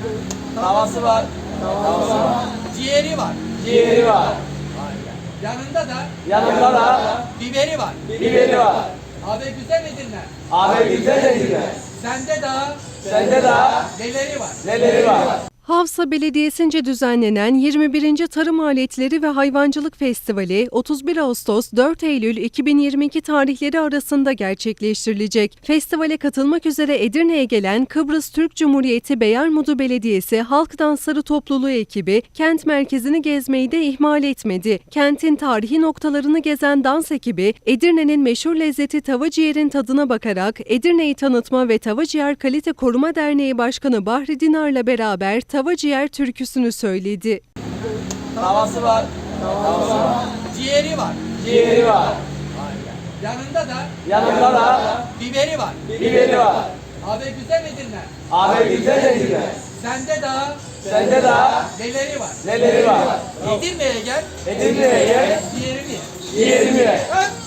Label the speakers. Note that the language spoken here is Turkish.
Speaker 1: Tavası var.
Speaker 2: Ciğeri var.
Speaker 1: Ciğeri var.
Speaker 2: Yanında da
Speaker 1: Biberi var.
Speaker 2: biberi var.
Speaker 1: Abi güzel Edirne.
Speaker 2: Abi güzel Edirne.
Speaker 1: Sende
Speaker 2: Sende
Speaker 1: neleri var?
Speaker 2: neleri var?
Speaker 3: Havsa Belediyesi'nce düzenlenen 21. Tarım Aletleri ve Hayvancılık Festivali 31 Ağustos 4 Eylül 2022 tarihleri arasında gerçekleştirilecek. Festivale katılmak üzere Edirne'ye gelen Kıbrıs Türk Cumhuriyeti Beyermudu Belediyesi Halk Dansları Topluluğu ekibi kent merkezini gezmeyi de ihmal etmedi. Kentin tarihi noktalarını gezen dans ekibi Edirne'nin meşhur lezzeti tava ciğerin tadına bakarak Edirne'yi tanıtma ve Tava Ciğer Kalite Koruma Derneği Başkanı Bahri Dinar'la beraber Tava Ciğer türküsünü söyledi.
Speaker 1: Tavası var.
Speaker 2: Ciğeri var.
Speaker 1: Ciğeri var.
Speaker 2: Yanında da
Speaker 1: Biberi var.
Speaker 2: biberi var.
Speaker 1: Abi güzel Edirne.
Speaker 2: Abi güzel Edirne.
Speaker 1: Sende
Speaker 2: Sende
Speaker 1: neleri var?
Speaker 2: neleri var?
Speaker 1: Edirne'ye gel.
Speaker 2: Edirne'ye gel,
Speaker 1: Ciğerimi ye.
Speaker 2: ciğerimi ye.
Speaker 1: Öp.